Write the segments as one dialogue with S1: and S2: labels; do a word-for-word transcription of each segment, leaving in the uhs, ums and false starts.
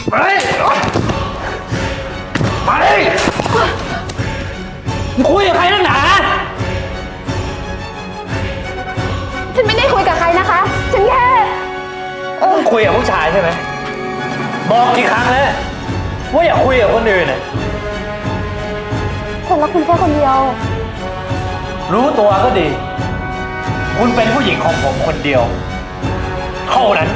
S1: มาดิมาดิมึงคุยกับใครนักหนา
S2: ฉันไม่ได้คุยกับใครนะคะฉันแค่
S1: เออคุยกับผู้ชายใช่ไหมบอกกี่ครั้งแล้วว่าอย่าคุยกับคนอื่นน่ะ
S2: ฉันรักคุณแค่คนเดียว
S1: รู้ตัวก็ดีคุณเป็นผู้หญิงของผมคนเดียวเท่านั้น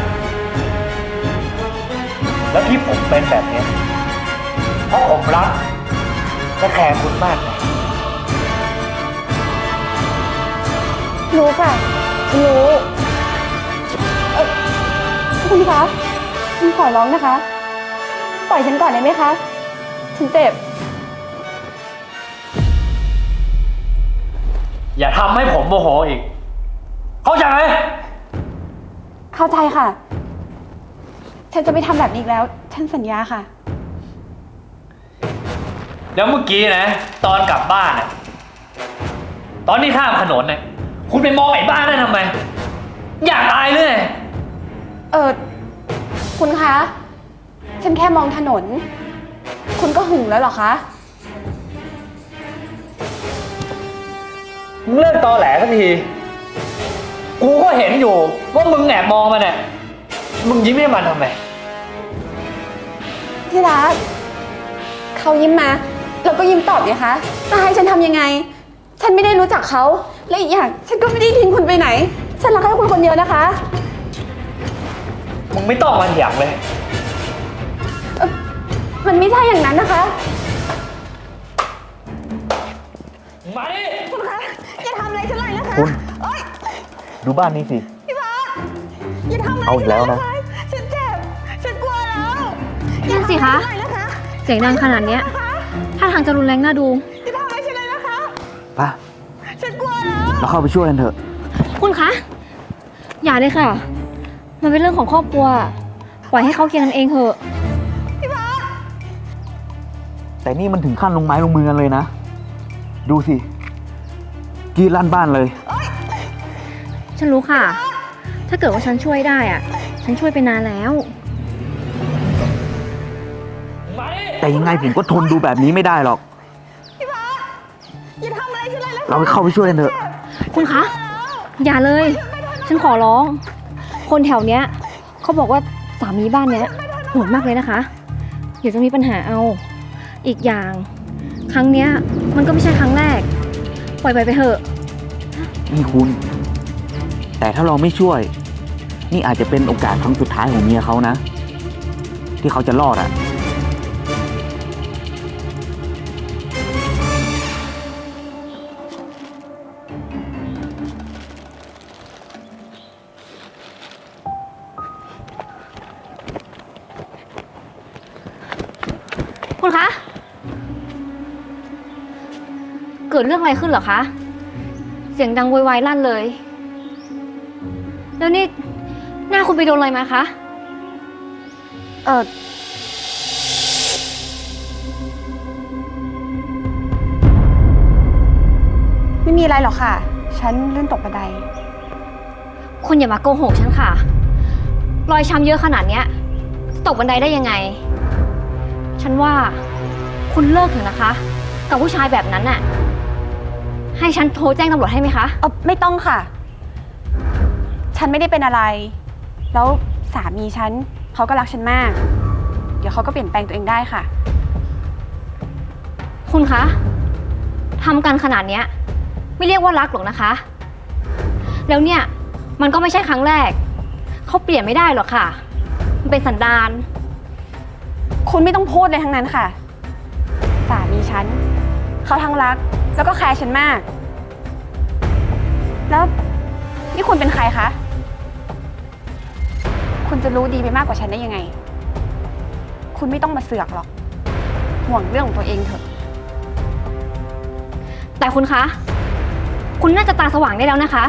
S1: แล้วที่ผมเป็นแบบนี้เพราะผมรักและแคร์คุณมากนะ
S2: รู้ค่ะฉันรู้เออคุณคะฉันขอร้องนะคะปล่อยฉันก่อนได้ไหมคะฉันเจ็บ
S1: อย่าทำให้ผมโมโหอีกเข้าใจไหม
S2: เข้าใจค่ะฉันจะไม่ทำแบบนี้อีกแล้วฉันสัญญาค่ะ
S1: แล้วเมื่อกี้นะตอนกลับบ้านนะตอนที่ข้ามถนนเนี่ยคุณไปมองไอ้บ้านนั่นทำไมอยากตายเลย
S2: เออคุณคะฉันแค่มองถนนคุณก็หึงแล้วเหรอคะ
S1: มึงเลิกตอแหลสักทีกูก็เห็นอยู่ว่ามึงแอบมองมันเนี่ยมึงยิ้มให้มันทำไม
S2: ที่รักเขายิ้มมาแล้วก็ยิ้มตอบไงคะจะให้ฉันทำยังไงฉันไม่ได้รู้จักเขาและอีกอย่างฉันก็ไม่ได้ทิ้งคุณไปไหนฉันรักแค่คุณคนเดียวนะคะ
S1: มึงไม่ต้องมาเถียงเลย
S2: มันไม่ใช่อย่างนั้นนะคะ
S1: มาดิ
S2: คุณคะอย่าทำอะไรฉันเลยนะคะ
S3: คุณดูบ้านนี้สิ
S2: พี่บอสอย่าทำอะไร
S3: เอาอีกแล้วนะ
S2: ฉันเจ็บฉันกลัวแล้ว
S4: นั่นสิคะเสียงดังขนาดนี้ถ้าทางจะรุนแรงน่าดู
S2: อย่าทำอะไรฉันเลยนะคะ
S3: ไป
S2: ฉันกลัวแล้ว
S3: เราเข้าไปช่วยกันเถอะ
S4: คุณคะอย่าเลยค่ะมันเป็นเรื่องของครอบครัวปล่อยให้เขาเคลียร์กันเองเถอะ
S2: พี่บอส
S3: แต่นี่มันถึงขั้นลงไม้ลงมือกันเลยนะดูสิกีดลั่นบ้านเลย
S4: ฉันรู้ค่ะถ้าเกิดว่าฉันช่วยได้อ่ะฉันช่วยไปนานแล้ว
S3: แต่ยังไงผมก็ทนดูแบบนี้ไม่ได้หรอก
S2: พี่บอสอย่าทำอะไรฉันเลย
S3: เราเข้าไปช่วยกันเถอะ
S4: คุณคะอย่าเลยฉันขอร้องคนแถวเนี้ยเขาบอกว่าสามีบ้านเนี้ยโหดมากเลยนะคะเดี๋ยวจะมีปัญหาเอาอีกอย่างครั้งเนี้ยมันก็ไม่ใช่ครั้งแรกปล่อยไปไปเถอะ
S3: นี่คุณแต่ถ้าเราไม่ช่วยนี่อาจจะเป็นโอกาสครั้งสุดท้ายของเมียเขานะที่เขาจะรอดอ่ะ
S4: คุณคะเกิดเรื่องอะไรขึ้นเหรอคะเสียงดังโวยวายลั่นเลยแล้วนี่หน้าคุณไปโดนอะไรมาคะ
S2: เออไม่มีอะไรหรอกค่ะฉันลื่นตกบันได
S4: คุณอย่ามาโกหกฉันค่ะรอยช้ำเยอะขนาดเนี้ยตกบันไดได้ยังไงฉันว่าคุณเลิกเถอะนะคะกับผู้ชายแบบนั้นน่ะให้ฉันโทรแจ้งตำรวจให้ไหมคะ
S2: เออไม่ต้องค่ะฉันไม่ได้เป็นอะไรแล้วสามีฉันเขาก็รักฉันมากเดี๋ยวเขาก็เปลี่ยนแปลงตัวเองได้ค่ะ
S4: คุณคะทำกันขนาดเนี้ยไม่เรียกว่ารักหรอกนะคะแล้วเนี่ยมันก็ไม่ใช่ครั้งแรกเขาเปลี่ยนไม่ได้หรอกค่ะมันเป็นสันดาน
S2: คุณไม่ต้องพูดเลยทั้งนั้นค่ะสามีฉันเขาทั้งรักแล้วก็แคร์ฉันมากแล้วนี่คุณเป็นใครคะคุณจะรู้ดีไปมากกว่าฉันได้ยังไงคุณไม่ต้องมาเสือกหรอกห่วงเรื่องของตัวเองเถอะ
S4: แต่คุณคะคุณน่าจะตาสว่างได้แล้วนะคะ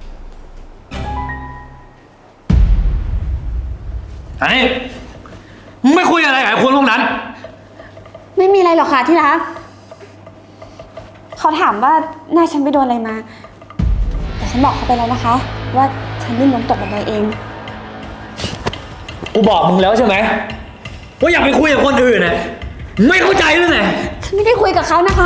S1: อันนี้มึงไม่คุยอะไรกับคนพวกนั้น
S2: ไม่มีอะไรหรอกค่ะที่รักเขาถามว่าหน้าฉันไปโดนอะไรมา แต่ฉันบอกเขาไปแล้วนะคะ ว่าฉันลื่นล้มตกบันไดเอง
S1: กูบอกมึงแล้วใช่ไหมว่าอย่าไปคุยกับคนอื่นนะไม่เข้าใจหรือไง
S2: ฉันไม่ได้คุยกับเขานะคะ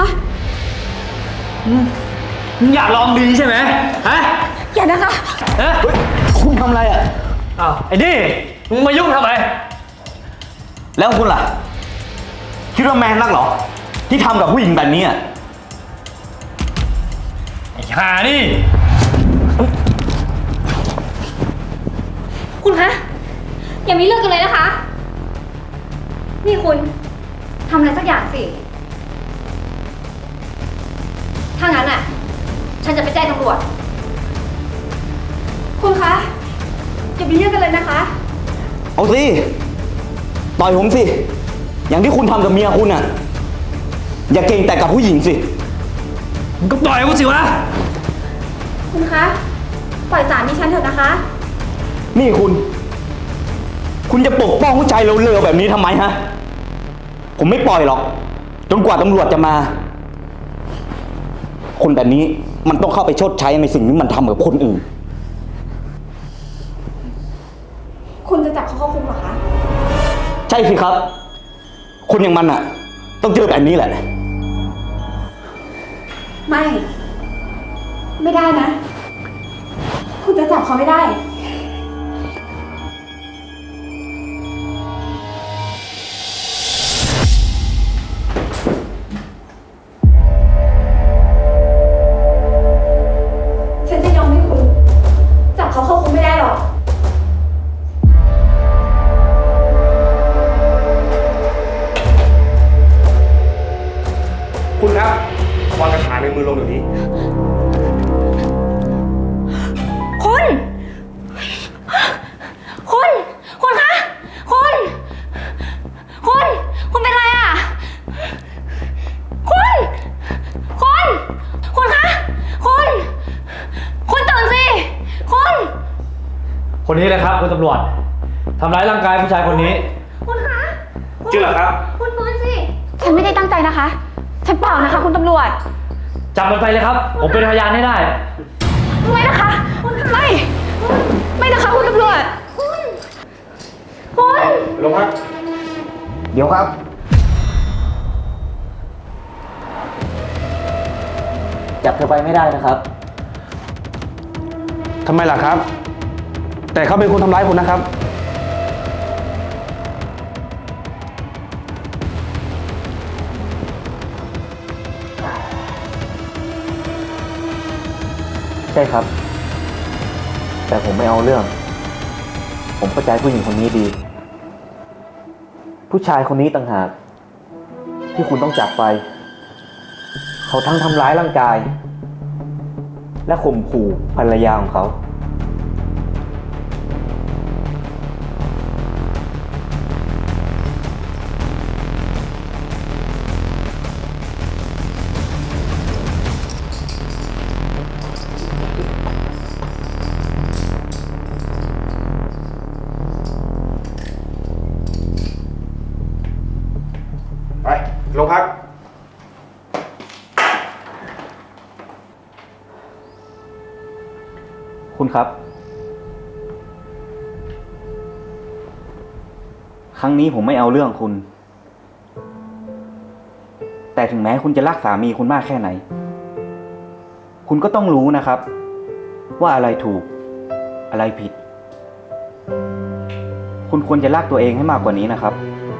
S1: มึงอยากลองดีใช่ไหมฮะ
S2: อย่านะคะ
S1: ฮะ
S3: เฮ้ย คุณทำอะไรอ่ะ
S1: อ้าวไอ้นี่มึงมายุ่งทำไม
S3: แล้วคุณล่ะ คิดว่าแมนนักเหรอ ที่ทำกับผู้หญิงแบบนี้อ่ะ
S1: ไอ้ห่านี่
S4: คุณคะ อย่ามีเรื่องกันเลยนะคะ นี่คุณทำอะไรสักอย่างสิ ถ้างั้นอ่ะ ฉันจะไปแจ้งตำรวจ
S2: คุณคะอย่ามีเรื่องกันเลยนะคะ
S3: เอาสิ ต่อยผมสิ อย่างที่คุณทำกับเมียคุณอ่ะ อย่าเก่งแต่กับผู้หญิงสิ
S1: มึงก็ปล่อยกูสิวะ
S2: คุณคะ ปล่อยสามีฉันเถอะนะคะ
S3: นี่คุณ คุณจะปกป้องผู้ชายเลวๆแบบนี้ทำไมฮะ ผมไม่ปล่อยหรอก จนกว่าตำรวจจะมา คนแบบนี้มันต้องเข้าไปชดใช้ในสิ่งที่มันทำกับคนอื่น
S2: คุณจะจับเขาเข้าคุกเหรอคะ
S3: ใช่สิครับ คนอย่างมันอ่ะ ต้องเจอแบบนี้แหละ
S2: ไม่ ไม่ได้นะ คุณจะจับเขาไม่ได้ ฉันจะยอมให้คุณ จับเขาเข้าคุกไม่ได้หรอก
S5: คุณครับวางกระถางในมือลงเดี๋ยวนี้
S4: คุณ คุณ คุณคะ คุณ คุณ คุณเป็นไรอ่ะ คุณ คุณ คุณคะ คุณ คุณตื่นสิ คุณ
S1: คนนี้นะครับคุณตำรวจทำร้ายร่างกายผู้ชายคนนี้
S4: คุณคะ
S5: เชื่อเหรอครับ
S4: คุณฟื้นสิ
S2: ฉันไม่ได้ตั้งใจนะคะ ฉันเปล่านะคะ คุณตำรวจ
S1: จับมันไปเลยครับ ผมเป็นพยานให้ได้
S2: ไม่นะคะ ไม่ ไม่นะคะคุณตำรวจ
S4: คุณ คุณ
S5: ลงครับ
S3: เดี๋ยวครับ จับเธอไปไม่ได้นะครับ
S5: ทำไมล่ะครับ แต่เขาเป็นคนทำร้ายคุณนะครับ
S3: ใช่ครับ แต่ผมไม่เอาเรื่อง ผมเข้าใจผู้หญิงคนนี้ดี ผู้ชายคนนี้ต่างหากที่คุณต้องจับไป เขาทั้งทำร้ายร่างกาย และข่มขู่ภรรยาของเขา
S5: ไป ลงพัก
S3: คุณครับ ครั้งนี้ผมไม่เอาเรื่องคุณ แต่ถึงแม้คุณจะรักสามีคุณมากแค่ไหน คุณก็ต้องรู้นะครับ ว่าอะไรถูก อะไรผิด คุณควรจะรักตัวเองให้มากกว่านี้นะครับ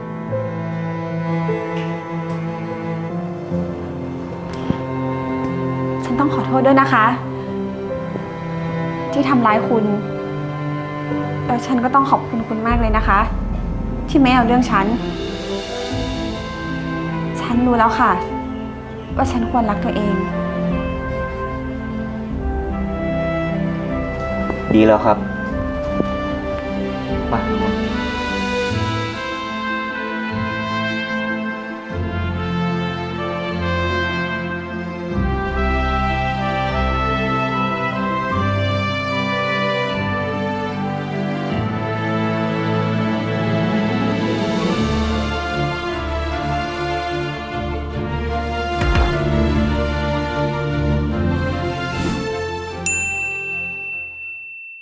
S2: ฉันต้องขอโทษด้วยนะคะ ที่ทำร้ายคุณ แล้วฉันก็ต้องขอบคุณคุณมากเลยนะคะ ที่ไม่เอาเรื่องฉัน ฉันรู้แล้วค่ะ ว่าฉันควรรักตัวเอง
S3: ดีแล้วครับไป